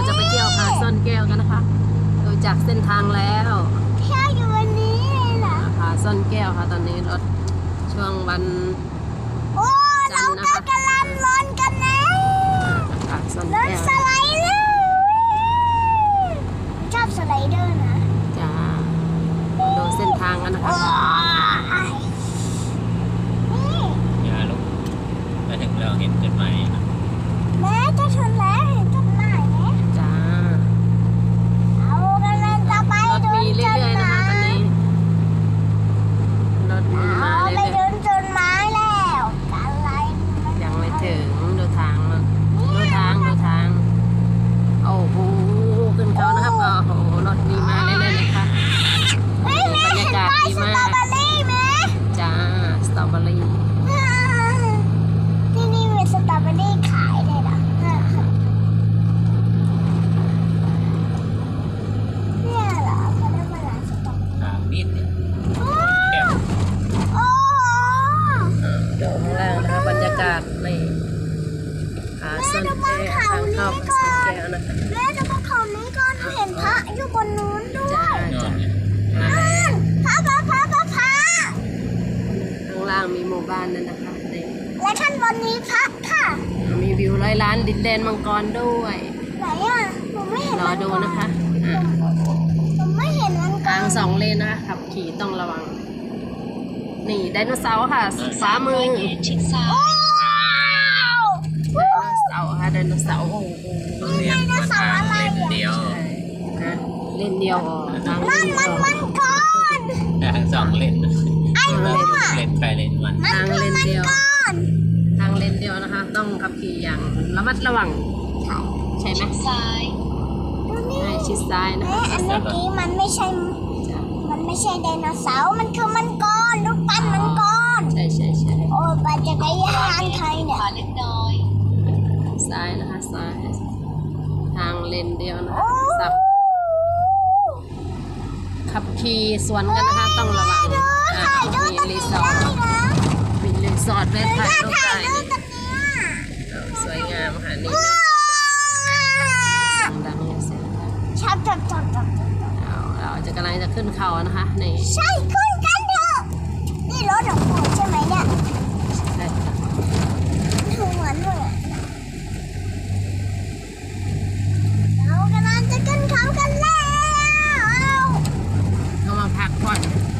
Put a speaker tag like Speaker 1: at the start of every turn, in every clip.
Speaker 1: จะไปเที่ยวผาซ่อนแก้วกันนะคะดูจากเส้นทางแล้ว
Speaker 2: เที่ยวอยู่วันนี้เลยเหรอ
Speaker 1: ผาซ่อนแก้วค่ะตอนนี้รถช่วงวัน
Speaker 2: โอ้เราก็กำลังร้อนกันนะ
Speaker 1: ผาซ่อน
Speaker 2: รถ
Speaker 1: แก้ว
Speaker 2: สไลเดอร์ชอบสไลเดอร์นะ
Speaker 1: จะดูเส้นทางกันนะคะ
Speaker 3: อย่าลุกมาถึงเราเห็นต้นไม้
Speaker 2: แม่จะชนแล้วเห็นต้นไม้ไหม
Speaker 1: จ้า
Speaker 2: เอากำลังจะไป
Speaker 1: รถมีเรื่อยๆนะคะตอนนี้รถมีมา
Speaker 2: เอาไป
Speaker 1: เรื่อย
Speaker 2: โดนต้นไม้แล้วอะไร
Speaker 1: ๆยังไม่ถึงดูทางดูทางโอ้โหขึ้นเขานะครับโอ้โหรถมีมาเรื่อยๆเลยค่ะบรรยากาศดีมากจ้าสตรอเบอรี่
Speaker 2: ที่นี่มีสตรอเบอรี่ขายเลยเหรอเนี่ยเหรอเขาเรียกว่าร้านสตรอเบอรี่
Speaker 3: ทางนิดเนี่ย
Speaker 2: โอ้
Speaker 1: ดูข้างล่างนะคะบรรยากาศในผาซ่อนแก้วทางเข้าผาซ่อนแก้วนะคะ
Speaker 2: แม่ดูบนเขานี้ก่อนเห็นพระอยู่บนนู้นด้วย
Speaker 1: จ้า
Speaker 3: นอน
Speaker 1: จ้า
Speaker 3: เนี่ย
Speaker 2: พระ
Speaker 1: ข้างล่างมีหมู่บ้านนั่นนะคะนี่
Speaker 2: และข้างบนนี้พระค่ะ
Speaker 1: มีวิว100 ล้านดินแดนมังกรด้วย
Speaker 2: ไหนอ่ะหนูไม่เห็น
Speaker 1: รอดูนะคะ
Speaker 2: หนูไม่เห็นมันก่อ
Speaker 1: ทาน ง2 เลนนะคะขับขี่ต้องระวังนี่ไดโนเสาร์ค่ะซ้ายมือไดโนเสาร์ค่ะไดโนเสาร์โอ้โห
Speaker 3: เรียกว่าทางเล่นเดียว
Speaker 1: นะเล่นเดียวทาง
Speaker 2: นั่นมันก่อน
Speaker 3: ทางสองเล่น
Speaker 2: ไอ้มั่ว
Speaker 3: เล่นไปเล่นมัน
Speaker 1: ทางเลนเดียว
Speaker 2: ก่อน
Speaker 1: ทางเลนเดียวนะคะ ต้องขับขี่อย่างระมัดระวังใช่ไหม
Speaker 2: ดูนี่
Speaker 1: ใช่ชิดซ้ายนะ
Speaker 2: แม่
Speaker 1: คะ
Speaker 2: อันเมื่อกี้มันไม่ใช่ไดโนเสาร์มันคือมังกรรูปปั้นมังกร
Speaker 1: ใช่
Speaker 2: โอ้ยปั่นจักรยานใครเนี่ย
Speaker 1: ซ้ายนะคะซ้ายทางเลนเดียวนะคะสับขับขี่สวนกันนะคะต้องระวังมีรีสอร์ทมีรีสอร์ทไว้ถ่ายรูปได้สวยงามค่ะนี่ดังๆเสียงดัง
Speaker 2: ชับ
Speaker 1: เราจะกำลังจะขึ้นเขานะคะนี่
Speaker 2: ใช่ขึ้นกันเถอะนี่รถของปู่ใช่ไหมเนี่ย
Speaker 1: ใช่ค่ะ
Speaker 2: เหมือนเรากำลังจะขึ้นเขากันแล้ว
Speaker 1: เขามาพักผ่อน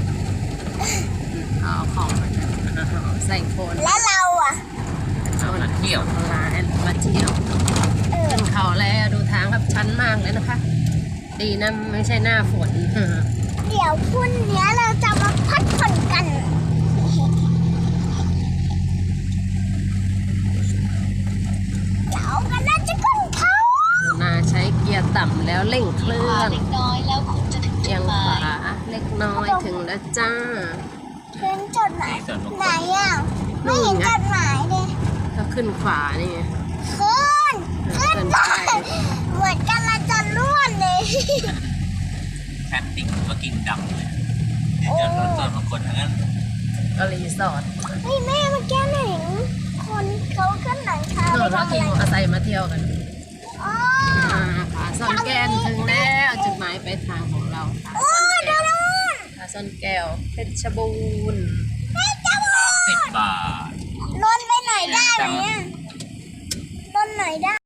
Speaker 1: เอาของใส่โคน
Speaker 2: แล้วเราอ่ะ
Speaker 1: เอา
Speaker 3: มาเที่ยว
Speaker 1: ลามาเที่ยวขึ้นเขาแล้วดูทางครับชันมากเลยนะคะ ดีนะไม่ใช่หน้าฝน
Speaker 2: เดี๋ยวพรุ่งนี้เราจะมาพักผ่อนกันเรากำลังจะขึ้นเขา
Speaker 1: นาใช้เกียร์ต่ำแล้วเร่งเครื่อง
Speaker 4: เล็กน้อยแล้วคุณจะถึง
Speaker 1: เอียงขวาเล็กน้อยถึงแล้วจ้า
Speaker 2: เห็นจุดไหนไหนอ่ะไม่เห็นจุดหมายเลย
Speaker 1: ก็ขึ้นขวานี่ไง
Speaker 2: ขึ้นไปเหมือนกันละจะล้วนเลย
Speaker 3: แคทติ้งมากินดำเลยจอดรถส่วนบางคนทั้งนั้น
Speaker 1: ก็รีสอร์ท
Speaker 2: เฮ้ยแม่เมื่อกี้เห็นคนเขาขึ้นหลังคาไป
Speaker 1: เรา
Speaker 2: ทำอะ
Speaker 1: ขี่
Speaker 2: ไร
Speaker 1: มอเตอร์ไซค์มาเที่ยวกัน
Speaker 2: อ๋อ
Speaker 1: ผาซ่อนแก้วถึงแล้วจุดหมายปลายทางของเราผาซ่อนแก้วผาซ่อนแก้วเพชรบูรณ์
Speaker 3: 10 บาท
Speaker 2: ลนไปหน่อยได้ไหมอ่ะลนหน่อยได้